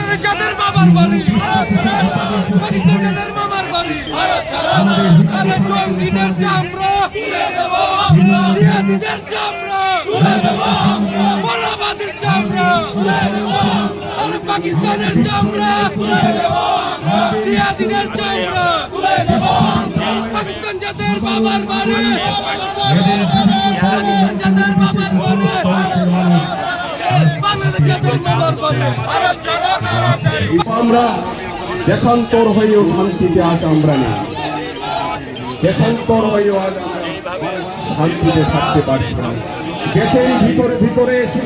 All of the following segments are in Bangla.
যাদের বাবার বাড়ি পাকিস্তান যাদের মামার বাড়ি আরে জঙ্গিদের চামড়া জিহাদিদের চামড়া বড়বাদের চামড়া আরে পাকিস্তানের চামড়া জিহাদিদের চামড়া পাকিস্তান যাদের বাবার বাড়ি পাকিস্তান যাদের বাবার বাড়ি বাংলাদেশ যাদের বাবার বাড়ি আমরা দেশান্তর হয়েও শান্তিতে আজ আমরা নেই, দেশান্তর হয়েও আজ আমরা শান্তিতে থাকতে পারছি না। দেশের ভিতরে ভিতরে এসে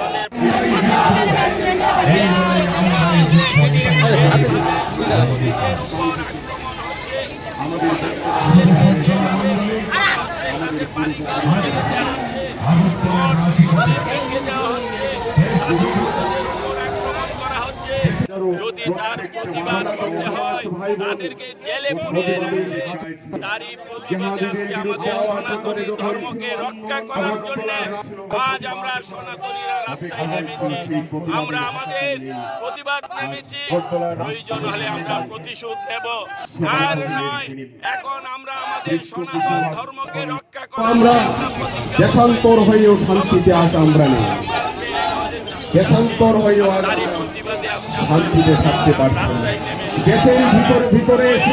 যদি তার প্রতিবাদ করতে হয় তাদেরকে জেলে পুড়িয়ে তারই প্রতিবাদে আজকে আমাদের সনাতনী ধর্মকে রক্ষা করার জন্য আজ আমরা সনাতনীরা রাস্তায় নেমেছি। আমরা আমাদের প্রতিবাদ নেমেছি, প্রয়োজন হলে আমরা প্রতিশোধ দেব, আর নয় এখন আমরা আমাদের সনাতন ধর্মকে রক্ষা করার আমরা দেশান্তর হয়েও শান্তিতে আজ আমরা নেই, দেশান্তর হয়েও আজ শান্তিতে থাকতে পারছি না। দেশের ভিতরে ভিতরে এসে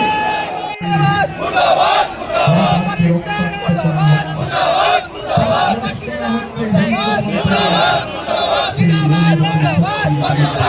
পাকিস্তান